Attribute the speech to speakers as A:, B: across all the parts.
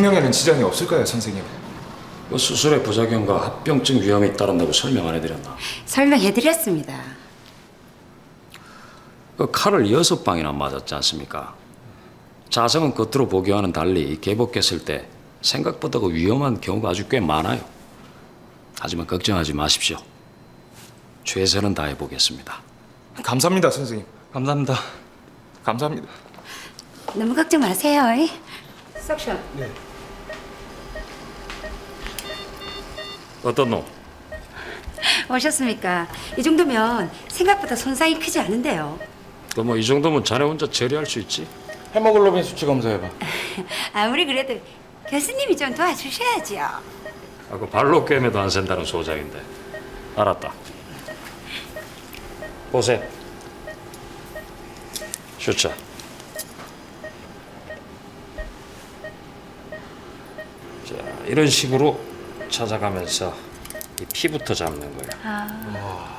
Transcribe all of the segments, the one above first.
A: 생명에는 지장이 없을까요, 선생님?
B: 그 수술의 부작용과 합병증 위험이 잇따른다고 설명 안 해드렸나?
C: 설명해드렸습니다.
B: 그 칼을 6방이나 맞았지 않습니까? 자성은 겉으로 보기와는 달리 개복했을 때 생각보다 그 위험한 경우가 아주 꽤 많아요. 하지만 걱정하지 마십시오. 최선은 다해보겠습니다.
A: 감사합니다, 선생님.
D: 감사합니다.
A: 감사합니다.
C: 너무 걱정 마세요. 석션.
B: 어떤 놈?
C: 오셨습니까? 이 정도면 생각보다 손상이 크지 않은데요.
B: 그 뭐 이 정도면 자네 혼자 처리할 수 있지?
A: 헤모글로빈 수치 검사해봐.
C: 아무리 그래도 교수님이 좀 도와주셔야지요.
B: 아, 그 발로 꿰매도 안 센다는 소장인데. 알았다. 보세요. 슈차. 자, 이런 식으로 찾아가면서 이 피부터 잡는 거야.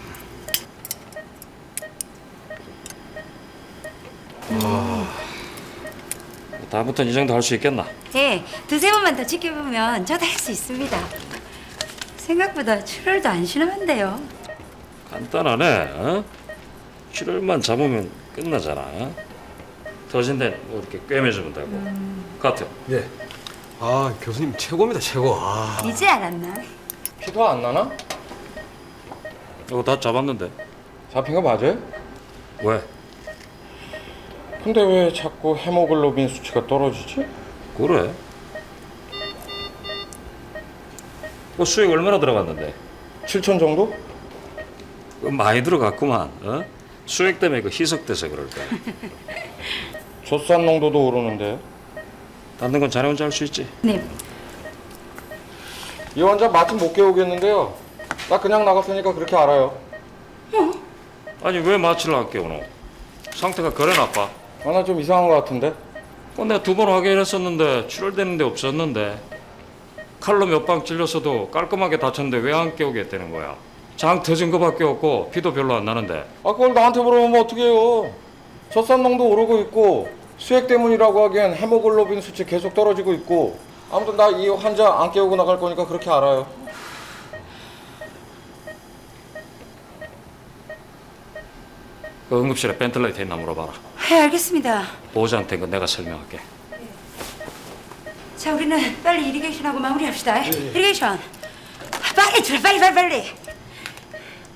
B: 다음부터는 이 정도 할 수 있겠나?
C: 네, 두세 번만 더 지켜보면 저도 할 수 있습니다. 생각보다 출혈도 안 심한데요.
B: 간단하네. 어? 출혈만 잡으면 끝나잖아. 어? 터진 데는 뭐 이렇게 꿰매주면 되고. 카트.
D: 예. 아, 교수님 최고입니다, 최고. 아.
C: 이제 알았나?
A: 피도 안 나나?
B: 이거 다 잡았는데.
A: 잡힌 거 맞아요?
B: 왜?
A: 근데 왜 자꾸 헤모글로빈 수치가 떨어지지?
B: 그래? 그 수액 얼마나 들어갔는데?
A: 7천 정도?
B: 그 많이 들어갔구만. 어? 수액 때문에 그 희석돼서 그럴 거야.
A: 젖산 농도도 오르는데.
B: 닿는 건 자네 혼자 할 수 있지.
C: 네,
A: 이 환자 마트 못 깨우겠는데요. 나 그냥 나갔으니까 그렇게 알아요.
B: 아니 왜 마취를 할게 오노? 상태가 그래 나빠?
A: 아, 나 좀 이상한 거 같은데.
B: 내가 2번 확인했었는데 출혈되는 데 없었는데 칼로 몇 방 찔렸어도 깔끔하게 다쳤는데 왜 안 깨우게 되는 거야? 장 터진 거밖에 없고 피도 별로 안 나는데.
A: 아, 그걸 나한테 물어보면 어떡해요. 젖산 농도 오르고 있고 수액 때문이라고 하기엔 헤모글로빈 수치 계속 떨어지고 있고. 아무튼 나 이 환자 안 깨우고 나갈 거니까 그렇게 알아요.
B: 그 응급실에 벤틀레이터 있나 물어봐라.
C: 네, 알겠습니다.
B: 보호자한테 그 내가 설명할게.
C: 자, 우리는 빨리 이리게이션하고 마무리합시다. 이리게이션. 빨리 줄, 빨리.